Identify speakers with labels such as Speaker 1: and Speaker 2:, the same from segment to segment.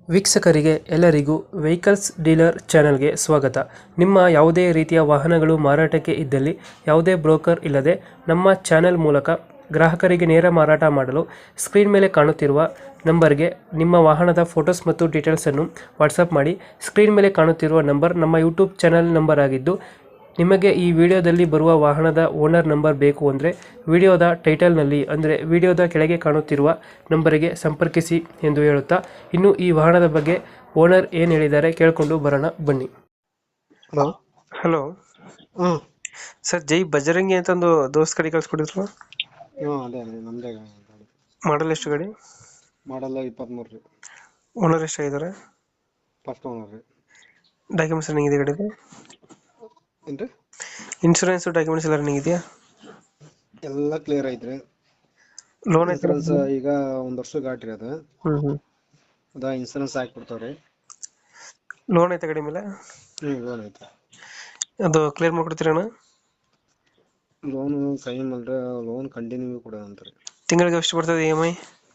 Speaker 1: ವೀಕ್ಷಕರಿಗೆ ಎಲ್ಲರಿಗೂ vehicles dealer ಚಾನೆಲ್ಗೆ ಸ್ವಾಗತ. ನಿಮ್ಮ ಯಾವುದೇ ರೀತಿಯ ವಾಹನಗಳು ಮಾರಾಟಕ್ಕೆ ಇದ್ದಲ್ಲಿ ಯಾವುದೇ ಬ್ರೋಕರ್ ಇಲ್ಲದೆ ನಮ್ಮ ಚಾನೆಲ್ ಮೂಲಕ ಗ್ರಾಹಕರಿಗೆ ನೇರ ಮಾರಾಟ ಮಾಡಲು ಸ್ಕ್ರೀನ್ ಮೇಲೆ ಕಾಣುತ್ತಿರುವ ನಂಬರ್ಗೆ ನಿಮ್ಮ ವಾಹನದ ಫೋಟೋಸ್ ಮತ್ತು ಡೀಟೇಲ್ಸನ್ನು ವಾಟ್ಸಪ್ ಮಾಡಿ. ಸ್ಕ್ರೀನ್ ಮೇಲೆ ಕಾಣುತ್ತಿರುವ ನಂಬರ್ ನಮ್ಮ ಯೂಟ್ಯೂಬ್ ಚಾನೆಲ್ ನಂಬರ್ ಆಗಿದ್ದು, ನಿಮಗೆ ಈ ವಿಡಿಯೋದಲ್ಲಿ ಬರುವ ವಾಹನದ ಓನರ್ ನಂಬರ್ ಬೇಕು ಅಂದರೆ ವಿಡಿಯೋದ ಟೈಟಲ್ನಲ್ಲಿ ಅಂದರೆ ವಿಡಿಯೋದ ಕೆಳಗೆ ಕಾಣುತ್ತಿರುವ ನಂಬರಿಗೆ ಸಂಪರ್ಕಿಸಿ ಎಂದು ಹೇಳುತ್ತಾ, ಇನ್ನು ಈ ವಾಹನದ ಬಗ್ಗೆ ಓನರ್ ಏನು ಹೇಳಿದ್ದಾರೆ ಕೇಳಿಕೊಂಡು ಬರೋಣ ಬನ್ನಿ.
Speaker 2: ಹಲೋ.
Speaker 1: ಹಲೋ
Speaker 2: ಹ್ಞೂ
Speaker 1: ಸರ್, ಜೈ ಬಜರಂಗಿ ಅಂತ ಒಂದು ದೋಸ್ತ್ ಗಾಡಿ ಕಳ್ಸ್ಕೊಟ್ಟಿದ್ರು.
Speaker 2: ಹ್ಞೂ ಅದೇ ನಮ್ಮದೇ ಗಾಡಿ.
Speaker 1: ಮಾಡಲ್ ಎಷ್ಟು ಗಾಡಿ?
Speaker 2: ಮಾಡಲ್ಲ 23 ರೀ.
Speaker 1: ಓನರ್ ಎಷ್ಟಾಗಿದ್ದಾರೆ?
Speaker 2: ಫಸ್ಟ್ ಓನರ್ ರೀ.
Speaker 1: ಡಾಕ್ಯುಮೆಂಟ್ಸ್ ರನ್ನಿಂಗ್ ಇದೆ ಗಾಡಿದು?
Speaker 2: ಏನು ರೀ?
Speaker 1: ಇನ್ಶೂರೆನ್ಸ್ ಡಾಕ್ಯುಮೆಂಟ್ಸ್ ಎಲ್ಲ ರನ್ನಿಂಗ್ ಇದೆಯಾ?
Speaker 2: ಎಲ್ಲ ಕ್ಲಿಯರ್ ಐತ್ರಿ.
Speaker 1: ಲೋನ್ ಐತೆ?
Speaker 2: ಇನ್ಸೂರೆನ್ಸ್ ಈಗ 1 ವರ್ಷ ಗಾಡಿ ರೀ ಅದು.
Speaker 1: ಹ್ಞೂ
Speaker 2: ಅದ ಇನ್ಸೂರೆನ್ಸ್ ಹಾಕ್ಬಿಡ್ತಾವ್ರಿ.
Speaker 1: ಲೋನ್ ಐತೆ ಗಾಡಿ ಮೇಲೆ?
Speaker 2: ಲೋನ್ ಐತೆ.
Speaker 1: ಅದು ಕ್ಲಿಯರ್ ಮಾಡ್ಕೊಡ್ತೀರಣ್ಣ?
Speaker 2: ಲೋನು ಕೈ ಮಾಡಿದ್ರೆ ಲೋನ್ ಕಂಟಿನ್ಯೂ ಕೊಡೋಣ ಅಂತಾರೆ.
Speaker 1: ತಿಂಗಳಿಗೆ ಎಷ್ಟು ಬರ್ತದೆ EMI?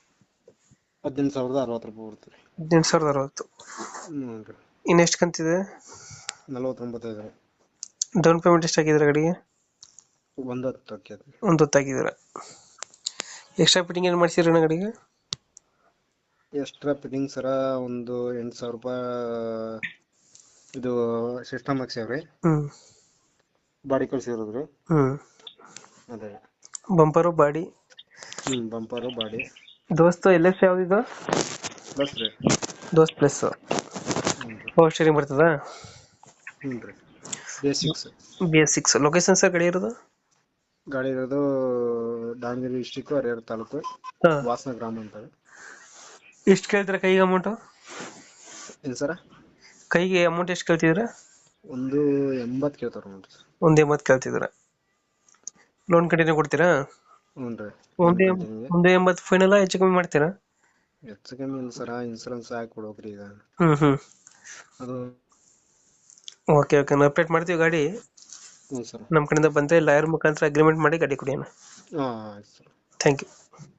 Speaker 2: 18,060 ರೂಪಾಯಿ ಬರ್ತದೆ.
Speaker 1: 18,060.
Speaker 2: ಹ್ಞೂ ರೀ.
Speaker 1: ಇನ್ನು ಎಷ್ಟು ಕಂತಿದೆ?
Speaker 2: 49 ರೀ.
Speaker 1: ಡೌನ್ ಪೇಮೆಂಟ್ ಎಷ್ಟು ಹಾಕಿದ್ರೆ ಗಾಡಿಗೆ?
Speaker 2: 110 ಹಾಕ್ಯದ.
Speaker 1: ಒಂದು ಹೊತ್ತು ಹಾಕಿದ್ದೀರ. ಎಕ್ಸ್ಟ್ರಾ ಫಿಟ್ಟಿಂಗ್ ಏನು ಮಾಡಿಸಿರಣ್ಣ ಗಾಡಿಗೆ?
Speaker 2: ಎಕ್ಸ್ಟ್ರಾ ಫಿಟ್ಟಿಂಗ್ ಸರ ಒಂದು 8,000 ರೂಪಾಯಿ ಇದು ಸಿಸ್ಟಮ್ ಹಾಕ್ಸ್ಯಾವ್ರಿ.
Speaker 1: ಹ್ಞೂ
Speaker 2: ಬಾಡಿ ಕಳ್ಸಿರೋದ್ರಿ.
Speaker 1: ಹ್ಞೂ
Speaker 2: ಅದೇ
Speaker 1: ಬಂಪರು ಬಾಡಿ?
Speaker 2: Bumper body.
Speaker 1: ದೋಸ್ತು LS ಯಾವ್ದಿದು?
Speaker 2: ಪ್ಲಸ್ ರೀ.
Speaker 1: ದೋಸ್ತ್ ಪ್ಲಸ್. ಪವರ್ ಸ್ಟೇರಿಂಗ್ ಬರ್ತದಾ?
Speaker 2: ಹ್ಞೂ ರೀ. ಬೇಸಿಕ್ಸ್.
Speaker 1: BS6. ಲೊಕೇಶನ್ ಸರ್ ಗಾಡಿ ಇರೋದು?
Speaker 2: ಗಾಡಿ ಇರೋದು ದಾವಣಗೆರೆ ಡಿಸ್ಟಿಕ್ ಹರಿಹರ ತಾಲೂಕು
Speaker 1: ಹಾಂ.
Speaker 2: ವಾಸನ ಗ್ರಾಮ ಅಂತಾರೆ.
Speaker 1: ಎಷ್ಟು ಕೇಳ್ತೀರಾ ಕೈಗೆ ಅಮೌಂಟು?
Speaker 2: ಏನು ಸರ?
Speaker 1: ಕೈಗೆ ಅಮೌಂಟ್ ಎಷ್ಟು ಕೇಳ್ತಿದ್ದೀರಾ?
Speaker 2: 180 ಕೇಳ್ತಾರೆ ನೋಡ್ರಿ.
Speaker 1: 180 ಕೇಳ್ತಿದ್ದೀರಾ. ಲೋನ್ ಕಂಟಿನ್ಯೂ ಕೊಡ್ತೀರಾ?
Speaker 2: ಹ್ಞೂ ರೀ.
Speaker 1: 180 ಫೈನಲ್, ಹೆಚ್ಚು ಕಮ್ಮಿ ಮಾಡ್ತೀರಾ?
Speaker 2: ಹೆಚ್ಚು ಕಮ್ಮಿ ಇಲ್ಲ ಸರ, ಇನ್ಸೂರೆನ್ಸ್ ಹಾಕಿ ಕೊಡ್ಬೇಕ್ರಿ ಈಗ.
Speaker 1: ಹ್ಞೂ
Speaker 2: ಅದು
Speaker 1: ಓಕೆ ನಾವು ಅಪ್ಡೇಟ್ ಮಾಡ್ತೀವಿ ಗಾಡಿ.
Speaker 2: ಹ್ಞೂ ಸರ್.
Speaker 1: ನಮ್ಮ ಕಡೆಯಿಂದ ಬಂದರೆ ಲಾಯರ್ ಮುಖಾಂತರ ಅಗ್ರಿಮೆಂಟ್ ಮಾಡಿ ಗಾಡಿ ಕೊಡಿ ಅಣ್ಣ.
Speaker 2: ಹಾಂ ಆಯ್ತು ಸರ್.
Speaker 1: Thank you.